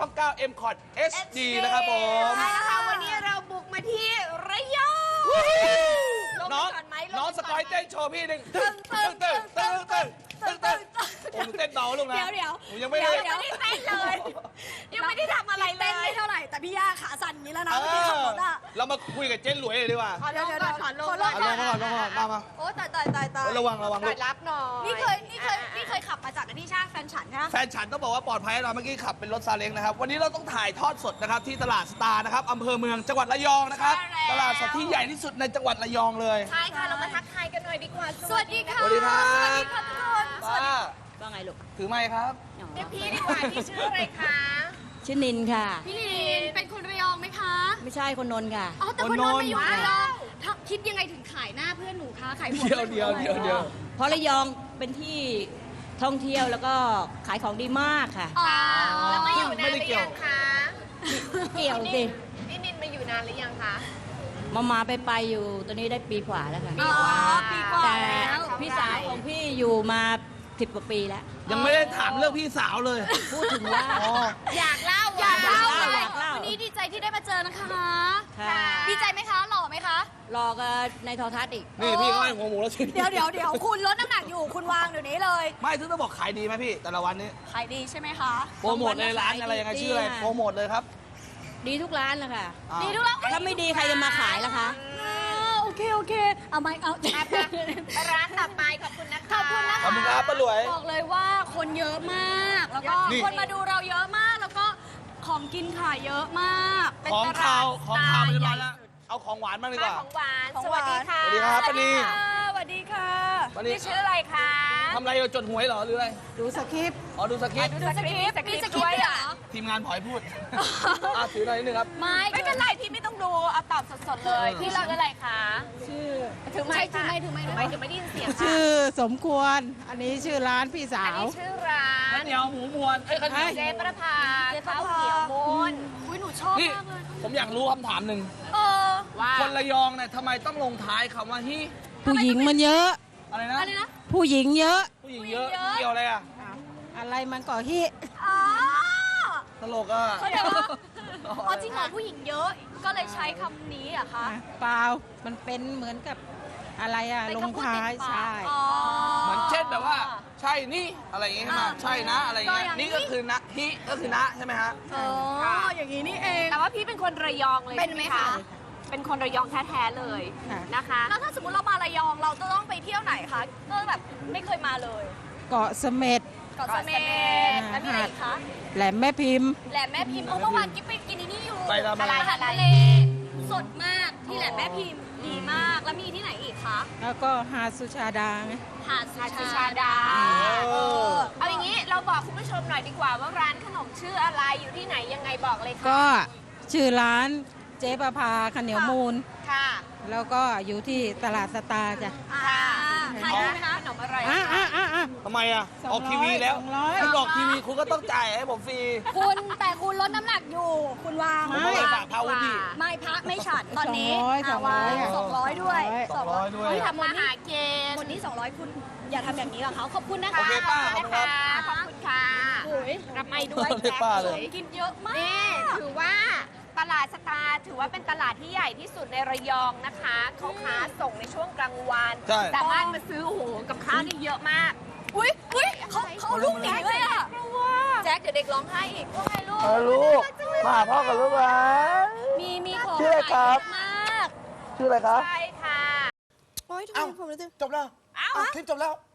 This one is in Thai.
9 M Cot HD นะครับผมใช่แล้วค่ะวันนี้เราบุกมาที่ระยองน้องสกอยเต้นโชว์พี่หนึ่งตึ้งตึ้งตึ้งตึ้งตึ้งตึ้งตึ้งผมเต้นเบาลงนะเดี๋ยวผมยังไม่ได้เต้นเลยยังไม่ได้ทำอะไรเลยเต้นไม่เท่าไหร่แต่พี่ย่าขาสั่นอย่างนี้แล้วนะไม่ได้ขับรถอ่ะเรามาคุยกับเจ๊หลวยเลยดีกว่าเดี๋ยวขอลงก่อนมาโอ้ตายระวังรับหน่อยนี่เคยขับมาจากที่ช่างแฟนฉันนะแฟนฉันต้องบอกว่าปลอดภัยเราเมื่อกี้ขับเป็นรถซาเล้งนะครับวันนี้เราต้องถ่ายทอดสดนะครับที่ตลาดสตาร์นะครับอำเภอเมืองจังหวัดระยองนะครับตลาดสดที่ใหญ่ที่สุดในจังหวัดระยองเลยใช่ค่ะเรามาทักทายกันหน่อยดีกว่าสวัสดีค่ะสวัสดีครับสวัสดีค่ะทุกคนว่าไงลูกถือไม้ครับเรียกพี่ดีกว่าพี่ชื่ออะไรคะชื่อนินค่ะพี่นินเป็นคนระยองไหมคะไม่ใช่คนนนท์ค่ะอ๋อแต่คนนนท์มาอยู่ระยองคิดยังไงถึงขายหน้าเพื่อนหนูคะขายหัวเดียวเพราะระยองเป็นที่ท่องเที่ยวแล้วก็ขายของดีมากค่ะอ๋อแล้วมาอยู่นานหรือยังคะเกี่ยวสิพี่นินมาอยู่นานหรือยังคะมาไปอยู่ตัวนี้ได้ปีกว่าแล้วค่ะอ๋อปีกว่าแต่แล้วพี่สาวของพี่อยู่มา10 กว่าปีแล้วยังไม่ได้ถามเรื่องพี่สาวเลยพูดถึงว่าอยากเล่าวันนี้ดีใจที่ได้มาเจอนะคะค่ะดีใจไหมคะหล่อไหมคะรอกันในโทรทัศน์อีกนี่พี่ก็ให้หัวหมูแล้วชิมเดี๋ยวคุณลดน้ำหนักอยู่คุณวางเดี๋ยวนี้เลยไม่ถึงต้องบอกขายดีไหมพี่แต่ละวันนี้ขายดีใช่ไหมคะโปรโมทเลยร้านอะไรยังไงชื่ออะไรโปรโมทเลยครับดีทุกร้านเลยค่ะดีทุกร้านถ้าไม่ดีใครจะมาขายล่ะคะโอเคเอาไม่เอาร้านต่อไปขอบคุณนะคะขอบคุณครับป้าหลวยบอกเลยว่าคนเยอะมากแล้วก็คนมาดูเราเยอะมากแล้วก็ของกินขายเยอะมากของข้าวมันจะมาแล้วเอาของหวานบ้างดีกว่าของหวานสวัสดีค่ะสวัสดีครับป้านีสวัสดีค่ะป้านีพี่ชื่ออะไรคะทำอะไรอยู่จดหวยเหรอหรืออะไรดูสคริปต์อ๋อดูสคริปต์ดูสคริปต์มีสคริปต์เหรอทีมงานผอยพูดถือหน่อยนิดนึงครับไม่เป็นไรพี่ไม่ต้องดูเอาตอบสดๆเลยพี่เราอะไรคะชื่อถือไม้ถือไม้เดี๋ยวไม่ได้ยินเสียงค่ะชื่อสมควร อันนี้ชื่อร้านพี่สาอันวนี้ชื่อร้าข้าวน เหนียวหมูมวนข้าวเหนียวเจ๊ประภาข้าวเหนียวมูนอุ้ยหนูชอบนี่มากเลยผมอยากรู้คำถามหนึ่งว่าคนระยองเนี่ยทำไมต้องลงท้ายคำว่าฮิผู้หญิงมันเยอะอะไรนะอะไรนะผู้หญิงเยอะผู้หญิงเยอะเกี่ยวอะไรอ่ะอะไรมันก็ฮิอ๋อตลกอ่ะเขาเดี๋ยวว่าอ๋อจริงเหรอผู้หญิงเยอะ ก็เลยใช้คำนี้อะคะเปล่ามันเป็นเหมือนกับอะไรอะเป็นลงคำพูดท้ายติดปากใช่อ๋อเหมือนเช่นแบบว่า ใช่นี่อะไรอย่างงี้ใช่ไหมใช่นะอะไรอย่างเงี้ยก็อย่างนี้นี่ก็คือนะฮิก็คือนะใช่ไหมฮะอ๋ออย่างนี้นี่เอง แต่ว่าพี่เป็นคนระยองเลยเป็นไหมคะ เป็นคนระยองแท้ๆเลยค่ะนะคะ แล้วถ้าสมมติเรามาระยองเราจะต้องไปเที่ยวไหนคะก็แบบไม่เคยมาเลยเกาะเสม็ดเกาะเสม็ดแล้วมีอะไรอีกคะแหลมแม่พิมพ์แหลมแม่พิมพ์เมื่อวานกิ๊บไปกินนี่อยู่ไปทำอะไรอาหารทะเลสดมากที่แหลมแม่พิมพ์ดีมากแล้วมีที่ไหนอีกคะแล้วก็หาดสุชาดาไงหาดสุชาดาเอาอย่างนี้เราบอกคุณผู้ชมหน่อยดีกว่าว่าร้านขนมชื่ออะไรอยู่ที่ไหนยังไงบอกเลยค่ะก็ชื่อร้านเจ๊ประภาข้าวเหนียวมูลค่ะแล้วก็อยู่ที่ตลาดสตาร์จ้ะค่ะขายดีไหมคะขนมอะไรทำไมอ่ะออกทีวีแล้ว 200 คุณออกทีวีคุณก็ต้องจ่ายให้ผมฟรีแต่คุณลดน้ำหนักอยู่ คุณวางผมไม่ฝากพาวุฒิไม่พักไม่ฉันตอนนี้ 200 วาง200 ด้วย 200ด้วยทำมาหาเกณฑ์คนนี้200คุณอย่าทำอย่างนี้กับเขาขอบคุณนะคะโอเคป้าขอบคุณครับขอบคุณค่ะรับไม่ด้วยเรียกป้าเลยกินเยอะมากนี่ถือว่าตลาดสตาร์ถือว่าเป็นตลาดที่ใหญ่ที่สุดในระยองนะคะเขาค้าส่งในช่วงกลางวันใช่สามารถมาซื้อโอ้โหกับข้าวนี่เยอะมากอุ้ยเขาเอาลูกหนีเลยอ่ะแจ็คเดี๋ยวเด็กร้องไห้อีกว่าไงลูกลูกมาพ่อกับลูกนะมีของชื่ออะไรครับขายเยอะมากชื่ออะไรครับใช่ค่ะเอ้าจบแล้วคลิปจบแล้ว